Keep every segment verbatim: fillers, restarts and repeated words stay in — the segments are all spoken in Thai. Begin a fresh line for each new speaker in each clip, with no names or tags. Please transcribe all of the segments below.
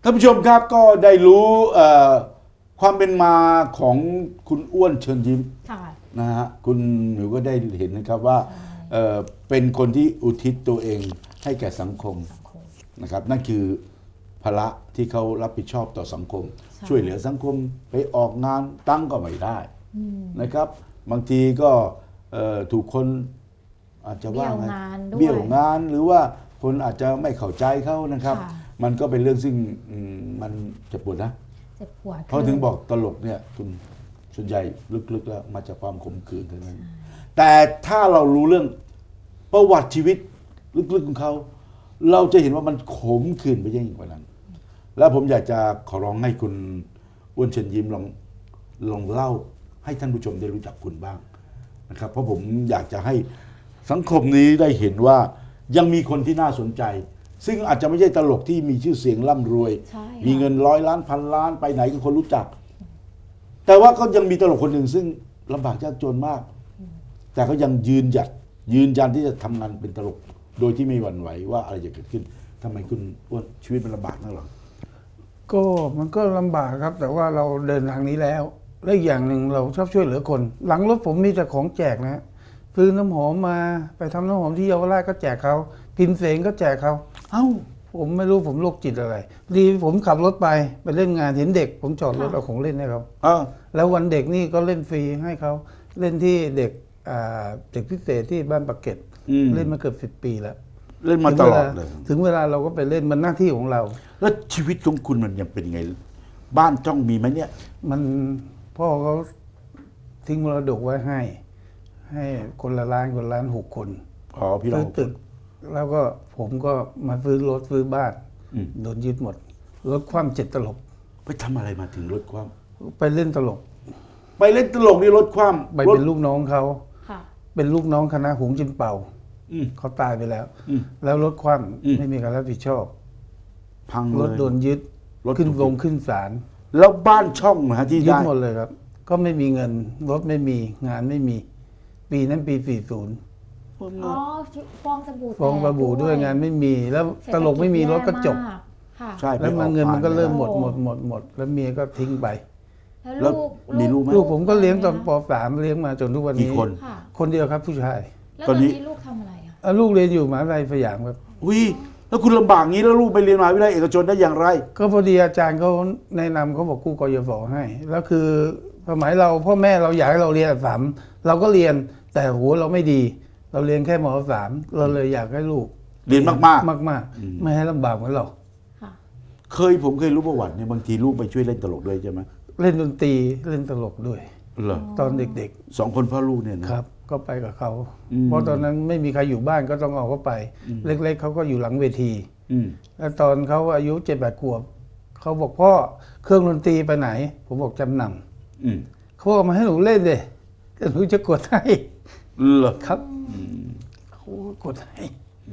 ท่านผู้ชมครับก็ได้รู้ความเป็นมาของคุณอ้วนเชิญยิ้มนะฮะคุณหนูก็ได้เห็นนะครับว่าเอ่อเป็นคนที่อุทิศตัวเองให้แก่สังคมนะครับนั่นคือภาระที่เขารับผิดชอบต่อสังคมช่วยเหลือสังคมไปออกงานตั้งก็ไม่ได้นะครับบางทีก็ถูกคนอาจจะว่าไงเบี้ยวงานหรือว่าคนอาจจะไม่เข้าใจเขานะครับมันก็เป็นเรื่องซึ่งมันเจ็บปวดนะ
เจ็บปวด
เพราะถึงบอกตลกเนี่ยคุณส่วนใหญ่ลึกๆแล้วมาจากความขมขื่นเท่านั้นแต่ถ้าเรารู้เรื่องประวัติชีวิตลึกๆของเขาเราจะเห็นว่ามันขมขื่นไปยิ่งกว่านั้นแล้วผมอยากจะขอร้องให้คุณอ้วนเชิญยิ้มลองลองเล่าให้ท่านผู้ชมได้รู้จักคุณบ้างนะครับเพราะผมอยากจะให้สังคมนี้ได้เห็นว่ายังมีคนที่น่าสนใจซึ่งอาจจะไม่ใช่ตลกที่มีชื่อเสียงร่ำรวยมีเงินร้อยล้านพันล้านไปไหนก็คนรู้จักแต่ว่าก็ยังมีตลกคนหนึ่งซึ่งลำบากยากจนมากแต่ก็ยังยืนหยัดยืนยันที่จะทำงานเป็นตลกโดยที่ไม่หวั่นไหวว่าอะไรจะเกิดขึ้นทำไมคุณอ้วนชีวิตมันลำบากนักหรอ
ก็มันก็ลำบากครับแต่ว่าเราเดินทางนี้แล้วและอีกอย่างหนึ่งเราชอบช่วยเหลือคนหลังรถผมมีแต่ของแจกนะซื้อน้ำหอมมาไปทำน้ำหอมที่เยาวราชก็แจกเขาพิมพ์เสงก็แจกเขาเอ้าผมไม่รู้ผมโรคจิตอะไรดีผมขับรถไปไปเล่นงานเห็นเด็กผมจอดรถเอาของเล่นให้เขาแล้ววันเด็กนี่ก็เล่นฟรีให้เขาเล่นที่เด็กเด็กพิเศษที่บ้านปากเกร็ดเล่นมาเกือบสิบปีแล้ว
เล่นมาตลอดเลย
ถึงเวลาเราก็ไปเล่นมันหน้าที่ของเรา
แล้วชีวิตของคุณมันยังเป็นไงบ้านจ้องมีไหมเนี่ย
มันพ่อเขาทิ้งมรดกไว้ให้ให้คนละล้านคนละล้านหกคน
อ๋อพี่น้อง
ตึกแล้วก็ผมก็มาซื้อรถซื้อบ้านโดนยึดหมดรถคว่ำเจ็ดตลบ
ไปทำอะไรมาถึงรถคว่
ำไปเล่นตลก
ไปเล่นตลกนี่รถคว่
ำไปเป็นลูกน้องเขาเป็นลูกน้องคณะหงจินเป่าเขาตายไปแล้วแล้วรถคว่ำไม่มีการรับผิดชอบ
พัง
รถโดนยึดขึ้นลงขึ้นศาล
แล้วบ้านช่องนะฮะที่
ยึดหมดเลยครับก็ไม่มีเงินรถไม่มีงานไม่มีปีนั้นปีสี่สิบ
อ๋อฟองสบู่
ฟองสบู่ด้วยงานไม่มีแล้วตลกไม่มีรถก็จบ
ใช่
แล้วมันเงินมันก็เริ่มหมดหมดหมดหมดแล้วเมียก็ทิ้งไป
แล้ว
มีลูกไหม
ลูกผมก็เลี้ยงตอนป สามเลี้ยงมาจนทุกวันนี้
คน
คนเดียวครับผู้ชาย
แล้วตอนนี้ลูกทำอะไรอ่ะ
ลูกเรียนอยู่มหาวิทยาลัยสยามครับ
อุ้ยแล้วคุณลำบากงี้แล้วลูกไปเรียนมหาวิทยาลัยเอกชนได้อย่างไร
ก็พอดีอาจารย์เขาแนะนำเขาบอกกู้กยศให้แล้วคือสมัยเราพ่อแม่เราอยากให้เราเรียนอักษรเราก็เรียนแต่หัวเราไม่ดีเราเรียนแค่ม.สามเราเลยอยากให้ลูก
เรียนมากมาก
มากมากไม่ให้ลำบากเหมือนเรา
เคยผมเคยรู้ประวัติเนี่ยบางทีลูกไปช่วยเล่นตลกด้วยใช่ไหม
เล่นดนตรีเล่นตลกด้วย
เหรอ
ตอนเด็ก
ๆสองคนพ่อลูกเนี่ยนะครับ
ก็ไปกับเขาเพราะตอนนั้นไม่มีใครอยู่บ้านก็ต้องเอาเขาไปเล็กๆเขาก็อยู่หลังเวทีแล้วตอนเขาอายุเจ็ดแปดขวบเขาบอกพ่อเครื่องดนตรีไปไหนผมบอกจำนำเขาเอามาให้หนูเล่นเลยก็หนูจะกดให้
เหรอ
ครับเขากดให้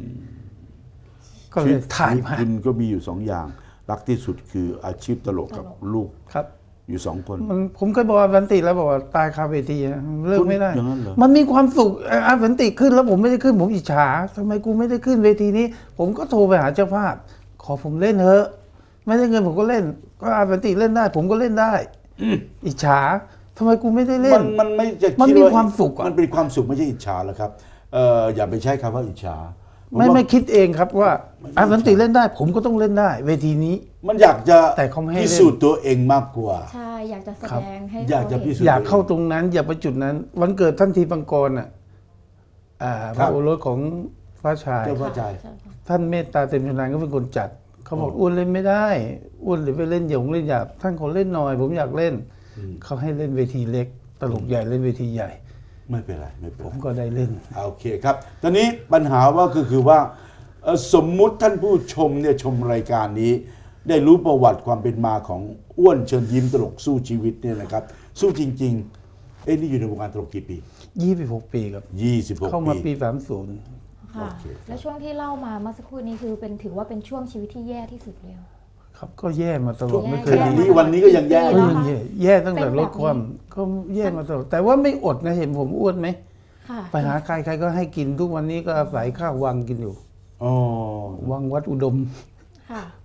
ก็เลยถ่ายมา
คุณก็มีอยู่สองอย่างรักที่สุดคืออาชีพตลกกับลูก
ครับ
อยู่สองคน
มันผมเคยบอกอาสันติแล้วบอกว่าตายคาเวทีเลิกไม่ได้
อย่างนั้นเหรอ
มันมีความสุขอาสันติขึ้นแล้วผมไม่ได้ขึ้นผมอิจฉาทำไมกูไม่ได้ขึ้นเวทีนี้ผมก็โทรไปหาเจ้าภาพขอผมเล่นเถอะไม่ได้เงินผมก็เล่นก็อาสันติเล่นได้ผมก็เล่นได้อิจฉาทำไมกูไม่ได้เล่น
มันไม่จะ
มันมีความสุข
มันเป็นความสุขไม่ใช่อิจฉาหรอกครับเอออย่าไปใช้คำว่าอิจฉา
ไม่ไม่คิดเองครับว่าอาสันติเล่นได้ผมก็ต้องเล่นได้เวทีนี้
มันอยากจะ
แต่เขาไม่ให้
พิสูจน์ตัวเองมากกว่า
ใช่อยากจะแสดงให้
อยากจะพิสูจน์
อยากเข้าตรงนั้นอยากไปจุดนั้นวันเกิดท่านทีปังกรอ่ะพระโอรสของฟ้าชายท่านเมตตาเต็มชนานก็เป็นคนจัดเขาบอกอ้วนเล่นไม่ได้อ้วนหรือไปเล่นหยงเล่นหยาบท่านขอเล่นหน่อยผมอยากเล่นเขาให้เล่นเวทีเล็กตลกใหญ่เล่นเวทีใหญ่
ไม่เป็นไรไม่เป็นไร
ผมก็ได้เล่น
โอเคครับตอนนี้ปัญหาว่าก็คือว่าสมมุติท่านผู้ชมเนี่ยชมรายการนี้ได้รู้ประวัติความเป็นมาของอ้วนเชิญยิ้มตลกสู้ชีวิตเนี่ยนะครับสู้จริงๆเอ้นี่อยู่ในวงการตลกกี่ปี
ยี่สิบหกปีครับ
ยี่สิบหกปี
เข้ามาปีสามสิบ
ค่ะแล้วช่วงที่เล่ามาเมื่อสักครู่นี้คือเป็นถือว่าเป็นช่วงชีวิตที่แย่ที่สุดเลย
ครับก็แย่มาตลอดไม่เคย
ดีวันนี้ก็ยังแย่
ก็ยังแย่แย่ตั้งแต่ลดความก็แย่มาตลอดแต่ว่าไม่อดนะเห็นผมอ้วนไหมไปหาใครใครก็ให้กินทุกวันนี้ก็อาศัยข้าววังกินอยู่
อ๋อ
วังวัดอุดม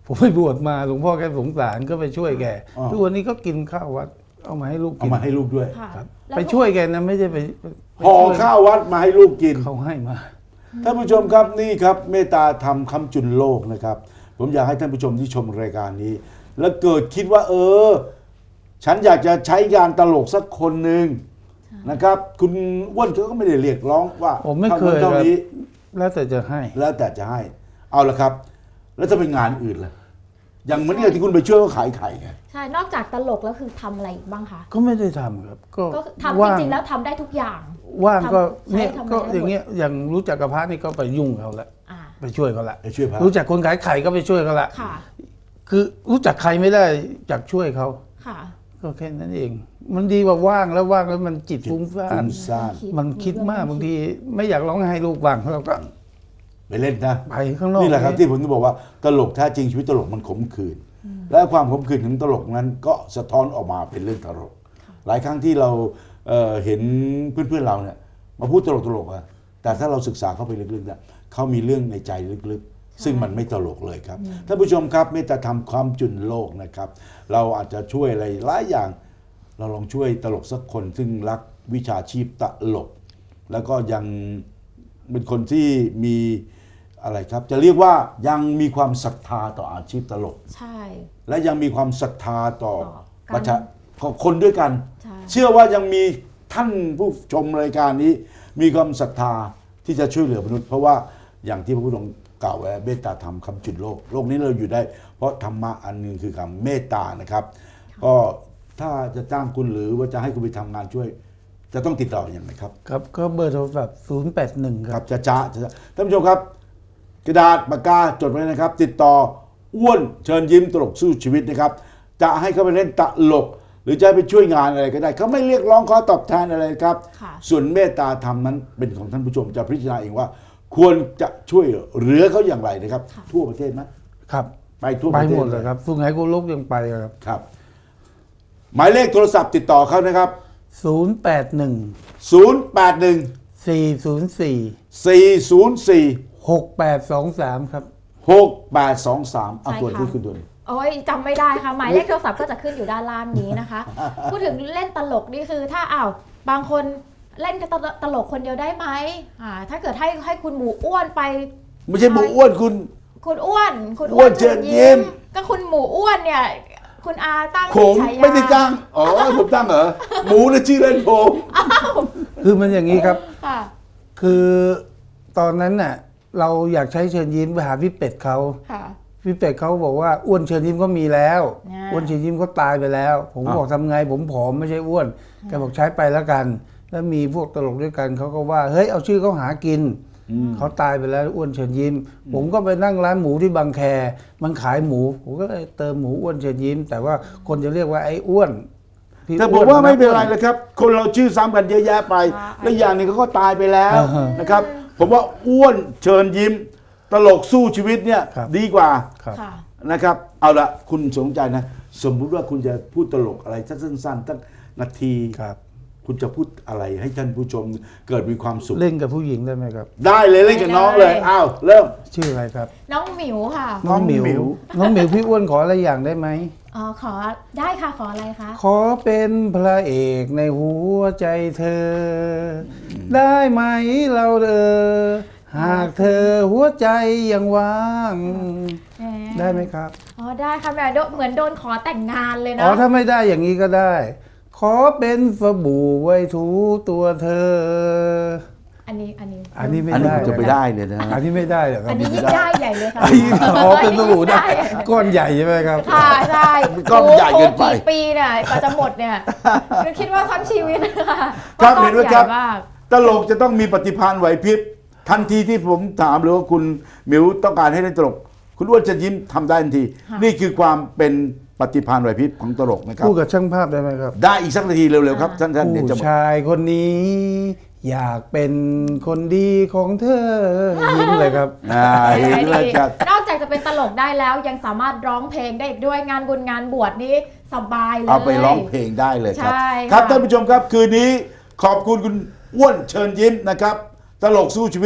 ผมไปบวชมาหลวงพ่อแกสงสารก็ไปช่วยแก
อ๋อ
ทุกวันนี้ก็กินข้าววัดเอามาให้ลูก
เอา
กิน
มาให้ลูกด้วย
ค่ะ
ครับ
แล้ว
ไปช่วยแกนะไม่ใช่ไปไป
ห่อ
ช่วย
ข้าววัดมาให้ลูกกิน
เขาให้มา
ท่านผู้ชมครับนี่ครับเมตตาธรรมคำจุนโลกนะครับ ผมอยากให้ท่านผู้ชมที่ชมรายการนี้ แล้วเกิดคิดว่า เออ ฉันอยากจะใช้งานตลกสักคนหนึ่งนะครับ คุณอ้วนเขาก็ไม่ได้เรียกร้องว่า
ผมไม่เคย
เท่านี้
แล้วแต่จะให้
แล้วแต่จะให้ เอาละครับ แล้วถ้าเป็นงานอื่นล่ะอย่างเหมือนกับที่คุณไปช่วยเขาขายไข่ไง
ใช่ นอกจากตลกแล้วคือทำอะไรอีกบ้างคะ
ก็ไม่ได้ทำครับ ก็
ก็ทำจ
ว่าง
ริงๆแล้วทำได้ทุกอย่าง
ว่างก็
ทำ
เนี่ย
ใช้ทำอะไร
ก็
ได้หมด
อย่างเงี้ยอย่างรู้จักกับพระนี่ก็ไปยุ่งเขาละ
อ่า
ไปช่วยเขาละ
ไปช่วยพระ
รู้จักคนขายไข่ก็ไปช่วยเขาละ
ค่ะ
คือรู้จักใครไม่ได้จากช่วยเขา
ค่ะ
ก็แค่นั้นเอง มันดีกว่าว่างแล้วว่างแล้วมันจิตฟุ้งซ่า
ฟุ้
น
งซ่าน
มันคิดมากบางทีไม่อยากร้องไห้ลูกว่างเราก็
ไปเล่นนะ
ไปข้างนอก
นี่แหละครับที่ผมจะบอกว่าตลกแท้จริงชีวิตตลกมันขมขื่นและความขมขื่นของตลกนั้นก็สะท้อนออกมาเป็นเรื่องตลก หลายครั้งที่เราเอ่อเห็นเพื่อนๆเราเนี่ยมาพูดตลกๆอะแต่ถ้าเราศึกษาเข้าไปลึกๆเนี่ยเขามีเรื่องในใจลึกๆ ซึ่งมันไม่ตลกเลยครับท่านผู้ชมครับเมตตาธรรมความจุนโลกนะครับ เราอาจจะช่วยอะไรหลายอย่าง เราลองช่วยตลกสักคนซึ่งรักวิชาชีพตลก แล้วก็ยังเป็นคนที่มีอะไรครับ จะเรียกว่ายังมีความศรัทธาต่ออาชีพตลก
ใช่
และยังมีความศรัทธาต่อ
ต่อกัน
ประชาของคนด้วยกัน
ใช่
เชื่อว่ายังมีท่านผู้ชมรายการนี้ มีความศรัทธาที่จะช่วยเหลือมนุษย์ เพราะว่าอย่างที่พระพุทธองค์กล่าวไว้เมตตาธรรมคำจุดโลกโลกนี้เราอยู่ได้ เพราะธรรมะอันหนึ่งคือคำเมตตานะครับ ก็ถ้าจะจ้างคุณหรือว่าจะให้คุณไปทำงานช่วย จะต้องติดต่ออย่างไรครับ
ครับก็เบอร์โทรศัพท์ศูนย์แปดหนึ่งค
ค
รั
รับ บจะจ้าจะจ้าท่านผู้ชมครับ กระดาษปากกาจดไว้นะครับ ติดต่ออ้วนเชิญยิ้มตลกสู้ชีวิตนะครับ จะให้เขาไปเล่นตลก หรือจะให้ไปช่วยงานอะไรก็ได้เขาไม่เรียกร้องขอตอบแทนอะไรครับ
ค่ะ
ส่วนเมตตาธรรมนั้นเป็นของท่านผู้ชมจะพิจารณาเองว่า ควรจะช่วยเหลือเขาอย่างไรนะครับ ทั่วประเทศไหม
ครับ
ไปทั่วป
ไประ
เทศ
หมดเลยครับสุไหงโกลกยังไปเลยครับ
ครับ หมายเลขโทรศัพท์ติดต่อเขานะครับ
ศูนย์แปดหนึ่ง
ศูนย์ แปด หนึ่ง
สี่ศูนย์สี่
สี่ ศูนย์ สี่
หกแปดสองสามครับ
หก แปด สอง สามเอา
ใช่
ตัว
ค่ะ
ที่คุณตัวนี้
โอ้ยจำไม่ได้ค่ะ หมายเลขโทรศัพท์ก็จะขึ้นอยู่ด้านล่างนี้นะคะ พูดถึงเล่นตลกนี่คือถ้าอ้าวบางคนเล่นตลตลกคนเดียวได้ไหมอ่าถ้าเกิดให้ให้คุณหมูอ้วนไป
ไม่ใช่หมูอ้วนคุณ
คุณอ้วน คุณ
อ้วนเชิญยิ้ม
ก็คุณหมูอ้วนเนี่ย คุณอาตั้ง
ผม
ฉายา
ไม่ได้ตั้งอ๋อผมตั้งเหรอหมูนะชื่อเล่นผม
คือมันอย่างนี้ครับ
ค่ะ
คือตอนนั้นน่ะเราอยากใช้เชิญยิ้มไปหาพี่เป็ดเขา
ค่ะ
พี่เป็ดเขาบอกว่าอ้วนเชิญยิ้มก็มีแล้ว
อ่า
อ้วนเชิญยิ้มเขาตายไปแล้ว ผมก็บอกทำไงผมผอมไม่ใช่อ้วนแกบอกใช้ไปแล้วกัน แล้วมีพวกตลกด้วยกันเขาก็ว่าเฮ้ยเอาชื่อเขาหากินเขาตายไปแล้วอ้วนเชิญยิ้ม ผมก็ไปนั่งร้านหมูที่บางแคมันขายหมู ผมก็เลยเติมหมูอ้วนเชิญยิ้ม แต่ว่าคนจะเรียกว่าไอ้อ้วนพี่
แต่ผ
อ้
ม
น
ว่าไม่เป็นไร
อ้ว
เลยครับ คนเราชื่อซ้ำกันเยอะแยะไป
อ่า
และอย่างหนึงเขาก็ตายไปแล้ว
อ่าฮะ
นะครับ ผมว่าอ้วนเชิญยิ้ม ตลกสู้ชีวิตเนี่ย
ครับ
ดีกว่า
ครับ
ค่ะ
นะครับ เอาละคุณสนใจนะ สมมุติว่าคุณจะพูดตลกอะไรสั้นๆตั้งนาที
ครับ
คุณจะพูดอะไรให้ท่านผู้ชมเกิดมีความสุข
เล่นกับผู้หญิงได้ไหมครับ
ได้เลยเล่นกับน้องเลย
ได้
อ้าวเริ่ม
ชื่ออะไรครับ
น้องหมิวค่ะ
น้องหมิว
น้องหมิวพี่อ้วนขออะไรอย่างได้ไหม
อ๋อขอได้ค่ะขออะไรคะ
ขอเป็นพระเอกในหัวใจเธอ ได้ไหมเราเออหากเธอหัวใจยังว่าง
แหม
ได้ไหมครับ
อ๋อได้ค่ะแหม่โดเหมือนโดนขอแต่งงานเลย
อ๋อ
เนาะ
ถ้าไม่ได้อย่างนี้ก็ได้ ขอเป็นสบู่ไว้ถูตัวเธอ
อันนี้อันนี้
อันนี้ไม่
อันนี้
ได้
ผมจะไปได้เลยนะ
อันนี้ไม่ได้เหรอครั
อั
บ
นนี้ยิ่งได้ใหญ่เลยค่ะ
อันนี้อ๋อเป็นสบู่ได้ก้อนใหญ่ใช่ไหมครับ
ค่ะใช่
ก้อนใหญ่เกินไป
โอ้โกี่ปีเนี่ยกว่าจะหมดเนี่ยนึกคิดว่าทั้งชีวิตนะคะ
ครับ
พาะก้อ
เห็นไหมครับ
ใญ่มาก
ตลกจะต้องมีปฏิภาณไหวพริบทันทีที่ผมถามหรือว่าคุณหมิวต้องการให้เล่นตลก คุณอ้วนจะยิ้มทำได้ทันที
ค่ะ
นี่คือความเป็นปฏิภาณไหวพริบของตลกนะครับ
พูดกับช่างภาพได้ไหมครับ
ได้อีกสักนาทีเร็วๆครับท่านๆเดี๋ยวจะ
ผู้ชายคนนี้ อยากเป็นคนดีของเธอยิ้มเลยครับ
อ่าเห็นแล้วครับ
นอกจากจะเป็นตลกได้แล้วยังสามารถร้องเพลงได้อีกด้วยงานบุญงานบวชนี้สบายเลย
เอาไปร้องเพลงได้เลยครับ
ใช่
ครับ
ค่ะ
ท่านผู้ชมครับคืนนี้ขอบคุณคุณอ้วนเชิญยิ้มนะครับ ตลกสู้ชีวิต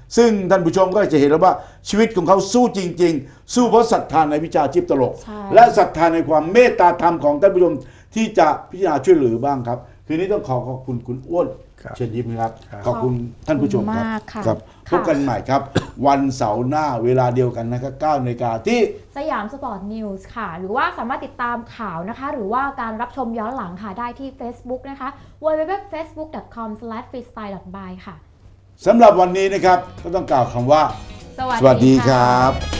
ซึ่งท่านผู้ชมก็จะเห็นแล้วว่าชีวิตของเขาสู้จริง ๆ สู้เพราะศรัทธาในวิชาชีพตลก
ใช่
และศรัทธาในความเมตตาธรรมของท่านผู้ชมที่จะพิจารณาช่วยเหลือบ้างครับคืนนี้ต้องขอขอบคุณคุณอ้วน
ครับ
เชิญยิ้มครับ
ครับ
ขอบคุณท่านผู้ชมครับ
ขอบคุณมากค่ะ
ครับพ
ค่ะ
บกันใหม่ครับ วันเสาร์หน้าเวลาเดียวกันนะครับเก้านาฬิกาที่
สยามสปอร์ตนิวส์ค่ะ หรือว่าสามารถติดตามข่าวนะคะ หรือว่าการรับชมย้อนหลังค่ะ ได้ที่ Facebook นะคะ ดับเบิลยู ดับเบิลยู ดับเบิลยู ดอท เฟซบุ๊ก ดอท คอม สแลช ฟรีสไตล์ ดอท บาย ค่ะ
สำหรับวันนี้นะครับก็ต้องกล่าวคำว่า
สวัส
สวัสดี
ดี
ค
ค่ะ
รับ